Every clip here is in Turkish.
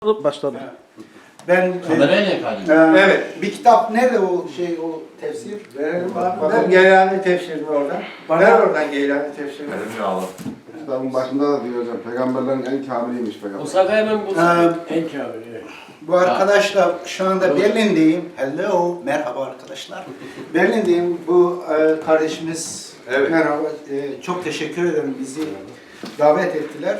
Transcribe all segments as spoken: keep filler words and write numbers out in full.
Başladı. Ben Kamerayla e, yakaladım. evet. Bir kitap nerede o şey o tefsir? Verelim abi. Ver Geylani tefsirini oradan. Bana- Ver oradan Geylani tefsirini. Benim yağlı. Kitabın başında da diyor hocam, peygamberlerin en kamiliymiş peygamber. Musa'da hemen bulsun. Ee, En kamil, evet. Bu arkadaşla şu anda Berlin'deyim. Hello, merhaba arkadaşlar. Berlin'deyim. Bu e, kardeşimiz Evet. merhaba. E, çok teşekkür ederim bizi davet ettiler.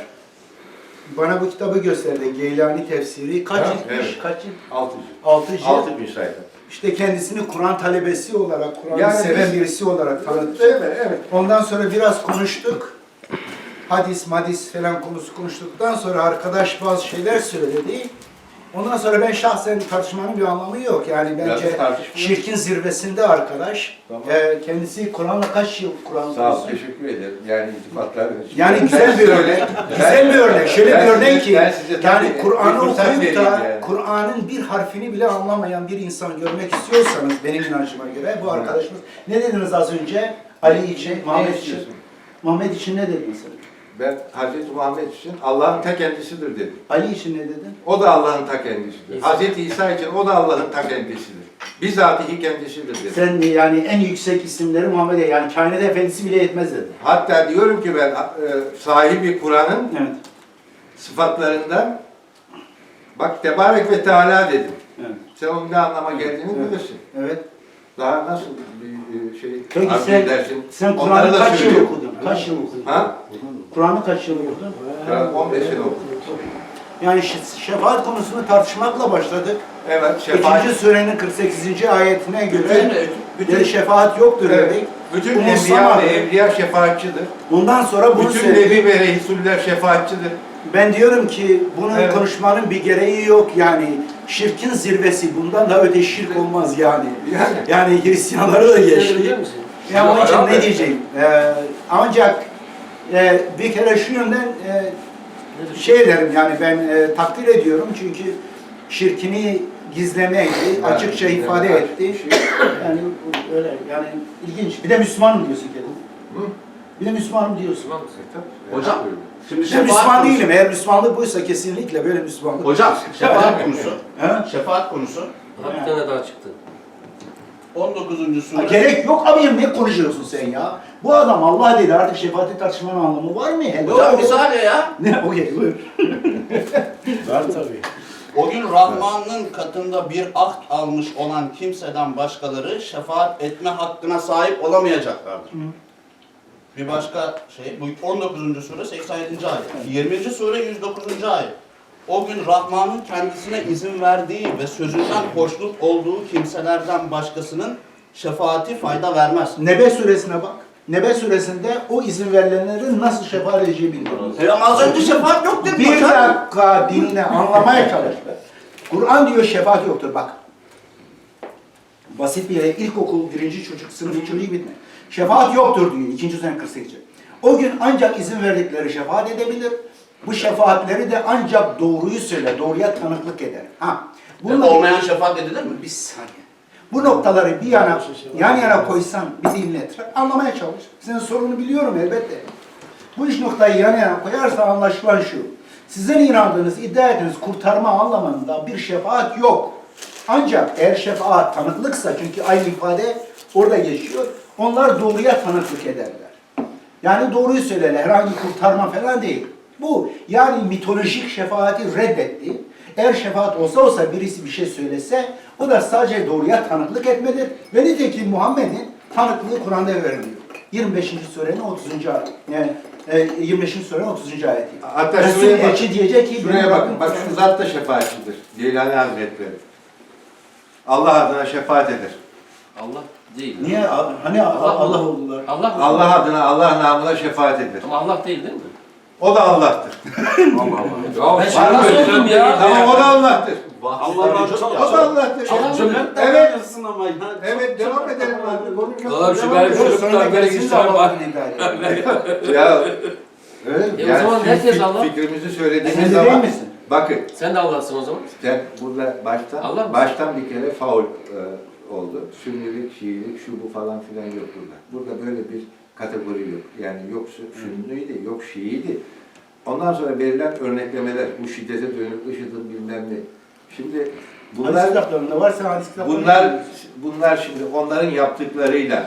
Bana bu kitabı gösterdi. Geylani tefsiri. Kaç Ha, ciltmiş? evet. Kaç cilt? Altı cilt. Altı cilt. Altı bin sayfa. İşte kendisini Kur'an talebesi olarak, Kur'an'ı Yani seven biz- birisi olarak tanıtmış. Evet, evet. Ondan sonra biraz konuştuk. Hadis, madis falan konusu konuştuktan sonra arkadaş bazı şeyler söyledi. Ondan sonra ben şahsen tartışmanın bir anlamı yok. Yani Biraz bence tartışma. şirkin zirvesinde arkadaş. Tamam. Ee, kendisi Kur'an'la kaç yıl Kur'an Sağ ol, okuyorsun? teşekkür ederim. Yani iltifatların için. Yani Ben güzel bir size- örnek. ben- Güzel bir örnek. Şöyle ben bir örnek size- ki ben size tabii yani bir Kur'an'ı fırsat okuyup vereyim da yani. Kur'an'ın bir harfini bile anlamayan bir insan görmek istiyorsanız benim inancıma göre bu arkadaşımız ne dediniz az önce? Ali için, Ne Muhammed için. istiyorsun? Muhammed için ne dedin sen? Ben Hazreti Muhammed için Allah'ın ta kendisidir dedim. Ali için ne dedin? O da Allah'ın ta kendisidir. İsa. Hazreti İsa için o da Allah'ın ta kendisidir. Bizatihi kendisidir dedim. Sen yani en yüksek isimleri Muhammed'e yani kainat efendisi bile yetmez dedin. Hatta diyorum ki ben e, sahibi Kur'an'ın Evet. sıfatlarından bak Tebarek ve Teala dedim. Evet. Sen onun ne anlama geldiğini Evet. bilirsin. Evet. Daha nasıl bir e, şey Peki arzu sen, edersin? sen Onları Kur'an'ı da kaç yıl söylüyorum. okudun? Kaç yıl okudun? Ha? Kur'an'ı kaç yıl okudun? Ben on beş sene okudum. Yani şe- şefaat konusunu tartışmakla başladık. Evet, şefaat. İkinci surenin kırk sekizinci ayetine göre Bütün, bir bütün, şefaat yoktur evet, dedik. bütün Bu enbiya Musa- ve evliya şefaatçidir. Ondan sonra bunu Bütün söyledik. nebi ve reysuller şefaatçidir. Ben diyorum ki bunun Evet. konuşmanın bir gereği yok yani. Şirkin zirvesi bundan da öte şirk olmaz yani. Yani. Yani Hristiyanları da Biliyor geçti. musun? Ya onun için Abi. ne diyeceğim? Ee, ancak e, bir kere şu yönden e, şey derim yani ben e, takdir ediyorum çünkü şirkini gizlemeydi, Yani, açıkça gizleme, ifade açık etti. bir şey. Yani öyle yani ilginç. Bir de Müslümanım diyorsun kendin. Hı? Bir de Müslümanım diyorsun. Hocam, şimdi Ben şefaat Müslüman konusu. değilim. Eğer Müslümanlık buysa kesinlikle böyle Müslümanlık. Hocam, şefaat konusu. Ha? Şefaat konusu. Ha, bir tane daha çıktı. on dokuzuncu Ha, sure. gerek yok abicim ne konuşuyorsun sen ya? Bu adam Allah dedi artık şefaati tartışmanın anlamı var mı? Hello. Hocam bir saniye ya. Ne? Okey buyur. Var tabii. O gün Rahman'ın katında bir ahd almış olan kimseden başkaları şefaat etme hakkına sahip olamayacaklardır. Bir başka şey, bu on dokuzuncu sure seksen yedinci ayet. yirminci sure yüz dokuzuncu ayet. O gün Rahman'ın kendisine izin verdiği ve sözünden hoşnut olduğu kimselerden başkasının şefaati fayda vermez. Nebe suresine bak. Nebe suresinde o izin verilenlerin nasıl şefaat edeceği bildiriyor. E ama az önce şefaat yok dedim Bir hocam. dakika dinle, anlamaya çalış. Kur'an diyor şefaat yoktur bak. Basit bir yere ilkokul birinci çocuk, sınıf çocuğu bitme. Şefaat yoktur diyor ikinci sene kırk sekiz. O gün ancak izin verdikleri şefaat edebilir. Bu şefaatleri de ancak doğruyu söyle, doğruya tanıklık eder. Ha. E, olmayan şefaat edilir mi? Bir saniye. Bu noktaları bir yana, yan yana koysan, bir dinlet. Anlamaya çalış. Senin sorunu biliyorum elbette. Bu üç noktayı yan yana koyarsa anlaşılan şu. Sizin inandığınız, iddia ettiğiniz kurtarma anlamında bir şefaat yok. Ancak eğer şefaat tanıklıksa, çünkü aynı ifade orada geçiyor, onlar doğruya tanıklık ederler. Yani doğruyu söylerler, herhangi kurtarma falan değil. Bu yani mitolojik şefaati reddetti. Eğer şefaat olsa olsa birisi bir şey söylese, o da sadece doğruya tanıklık etmedir. Ve nitekim Muhammed'in tanıklığı Kur'an'da veriliyor. yirmi beşinci surenin otuzuncu ayet. Yani e, yirmi beşinci surenin otuzuncu ayeti. Hatta Resul şuraya bak, elçi diyecek ki, şuraya beni bakın, bak şu zat da şefaatçidir. Geylani Hazretleri. Allah adına şefaat eder. Allah değil. Niye? Hani Allah, Allah oldular. Allah mı? Allah adına, Allah namına şefaat eder. Ama Allah değil değil mi? O da Allah'tır. Ben şimdi nasıl oldum ya? Tamam, o da Allah'tır. Allah'ın çok O da Allah'tır. Evet. Evet, devam edelim abi. Oğlum şu benim çocuklar böyle gitsinler bak. Ya öyle E o zaman herkes fik- Allah. Fikrimizi Sen söylediğiniz de değil zaman misin? bakın Sen de Allah'sın o zaman. sen burada baştan Allah mısın? baştan bir kere faul e, oldu. Sünnilik, Şiilik, şu bu falan filan yok burada. Burada böyle bir kategori yok. Yani yok Sünniydi, yok Şiiydi. Ondan sonra verilen örneklemeler, bu şiddete dönük IŞİD'in bilmem ne. Şimdi Hadis bunlar, kitaplarında varsa hadis kitaplarında. bunlar, bunlar şimdi onların yaptıklarıyla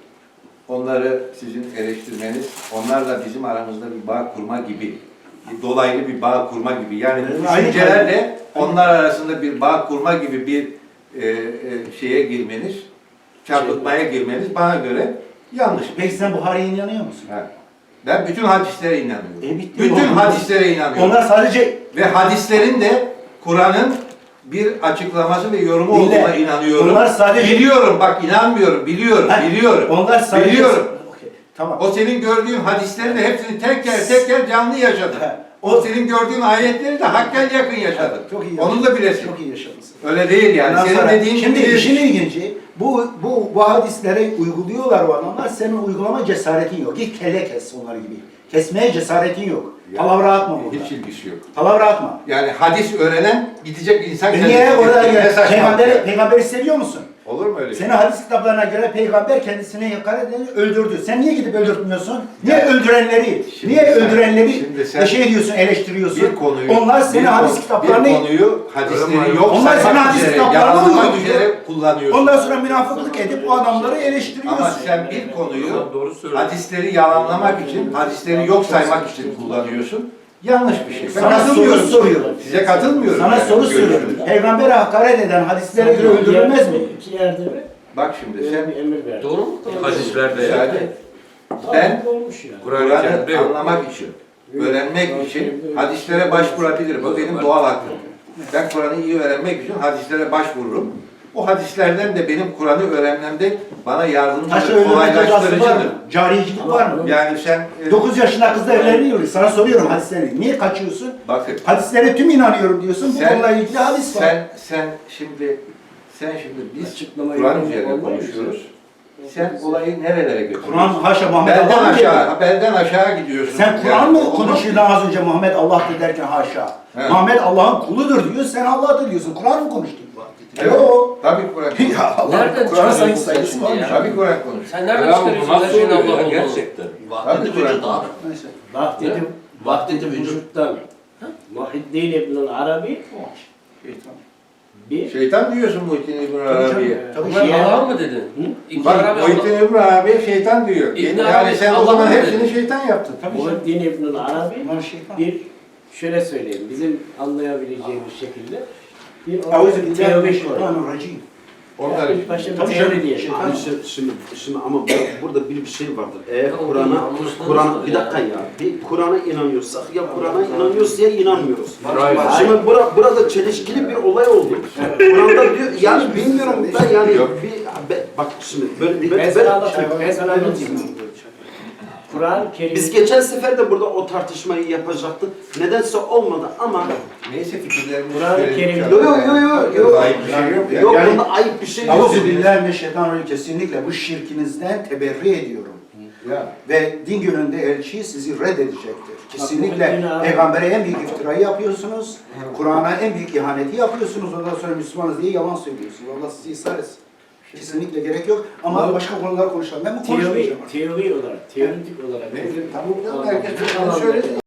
onları sizin eleştirmeniz, onlarla bizim aramızda bir bağ kurma gibi, bir dolaylı bir bağ kurma gibi. Yani bu Aynı düşüncelerle onlar arasında bir bağ kurma gibi bir e, e, şeye girmeniz, çarpıtmaya girmeniz bana göre yanlış. Peki sen Buhari'ye inanıyor musun? Ha. Ben bütün hadislere inanıyorum. E, bitti. bütün Onlar- hadislere inanıyorum. Onlar sadece Ve hadislerin de Kur'an'ın bir açıklaması ve yorumu Dinle. olduğuna inanıyorum. Onlar sadece- Biliyorum, bak inanmıyorum, biliyorum, Ha, biliyorum. onlar sadece Biliyorum. Okey, tamam. O senin gördüğün hadislerin de hepsini teker teker canlı yaşadın. Ha, O o senin gördüğün ayetleri de hakkel yakın yaşadın. çok iyi. Onu da bilesin. Çok iyi yaşamışsın. Öyle değil yani. Ondan Senin sonra- dediğin şimdi gibi işin ilginci, bu, bu, bu hadisleri uyguluyorlar o adamlar, senin uygulama cesaretin yok. Git kelle kes onlar gibi. Kesmeye cesaretin yok. Ya, Palavra atma burada. hiç ilgisi yok. Palavra atma. Yani hadis öğrenen gidecek insan E niye orada Ne gel? saçmalık Peygamberi, ya. peygamberi seviyor musun? Olur mu öyle şey? Seni hadis kitaplarına göre peygamber kendisine hakaret edeni öldürdü. Sen niye gidip öldürtmüyorsun? Niye Ya, öldürenleri, şimdi niye sen- öldürenleri şimdi sen bir şey diyorsun, eleştiriyorsun? Bir konuyu, Onlar senin bir hadis konu- kitaplarını, bir konuyu hadisleri yok Onlar senin saymak hadis üzere, kitaplarını yalanlamak uyguluyor. üzere kullanıyorsun. ondan sonra münafıklık edip o adamları eleştiriyorsun. Ama sen bir konuyu Doğru söylüyor. hadisleri yalanlamak için, hadisleri yok saymak için kullanıyorsun. Yanlış bir şey. Ben Sana soru katılmıyorum. soruyorum. Size katılmıyorum. Sana yani soru bu soruyorum. görüşünüze. Peygambere hakaret eden hadislere göre öldürülmez mi? İki yerde mi? Bak şimdi Böyle sen bir emir verdi. Doğru mu? Hadislerde ya. müsaade et. Ben olmuş ya. Kur'an-ı Kur'an'ı Kerim'de yok. anlamak için, öğrenmek için hadislere başvurabilirim. Bu benim doğal hakkım. Ben Kur'an'ı iyi öğrenmek için hadislere başvururum. O hadislerden de benim Kur'an'ı öğrenmemde bana Taşı yardımcıdır, öldürme cezası var kolaylaştırıcıdır. mı? Cariyecilik var mı? Yani sen e, dokuz yaşında kızla evleniyor. Sana soruyorum hadisleri. Niye kaçıyorsun? bakın Hadislere tüm inanıyorum diyorsun. Bu Sen- konuyla ilgili hadis var. sen sen şimdi sen şimdi biz Açıklamayı Kur'an yapmak üzerine olmaz mı? konuşuyoruz. Sen olayı nerelere götürüyorsun? Kur'an haşa Muhammed Belden Allah mı dedi? aşağı, belden aşağı gidiyorsun. Sen Kur'an Yani mı olmaz. konuşuyordun az önce Muhammed Allah'tır derken haşa? Evet. Muhammed Allah'ın kuludur diyor, sen Allah'tır diyorsun. Kur'an mı konuştun? Evet. Yok. Tabii Kur'an. Ya Allah, Nereden Kur'an'ın çıkarıyorsun saygısı sen var mı? ya? Tabii Kur'an konuş. Sen nereden Ya bu çıkarıyorsun nasıl her şeyin oluyor Allah ya olduğunu? gerçekten? Vahdeti Tabii Kur'an. vücut abi. Neyse. Vahdeti, Vahdeti vücut. vücuttan Muhiddin İbn Arabi Şeytan. bir Şeytan diyorsun Muhittin İbn Arabi'ye. Tabii Bunlar ki. Allah mı dedin? İbn Bak Arabi Muhittin Allah. İbn Arabi'ye şeytan diyor. İbn yani Arabi, sen o Allah zaman mı hepsini dedi? şeytan yaptın. Tabii canım. Muhiddin İbn Arabi Bunlar şeytan. bir şöyle söyleyeyim bizim anlayabileceğimiz şekilde bir orada Auzu bir billahi teori koyuyor. mineşşeytanirracim. Onlar Yani için. başta bir Tabii teori canım. diyelim. Şeytan. Abi şimdi, şimdi, şimdi ama bu- burada bir bir şey vardır. Eğer Ya o Kur'an'a, yanlış Kur'an nasıl bir ya? dakika ya, bir Kur'an'a inanıyorsak ya Kur'an'a inanıyoruz ya inanmıyoruz. Hayır. Şimdi bura, burada çelişkili bir olay oldu. Kur'an'da diyor, yani bilmiyorum da yani Yok. bir, be- bak şimdi böyle, Ben böyle, sana böyle anlatayım. Ben sana anlatayım. Kur'an-ı Kerim biz geçen sefer de burada o tartışmayı yapacaktık. Nedense olmadı ama Neyse fikirlerimizi Kur'an-ı söyledik Kerim- ya. yok yok yok yok. Ayıp bir şey yok ya. Yok Yani- bunda ayıp bir şey yok. Auzu billahi mineşşeytanirracim. Kesinlikle bu şirkinizden teberri ediyorum. Ya. Ve din gününde elçi sizi reddedecektir. Kesinlikle Bak, bu din- peygambere en büyük iftirayı yapıyorsunuz. Kur'an'a en büyük ihaneti yapıyorsunuz. Ondan sonra Müslümanız diye yalan söylüyorsunuz. Allah sizi ısrar etsin. Kesinlikle gerek yok. Ama Bu- başka konular konuşalım. Ben bu teori, konuşmayacağım. teori olarak, teoretik olarak Neyse, bizim tamam, bu herkes alanda- bunu söyledi.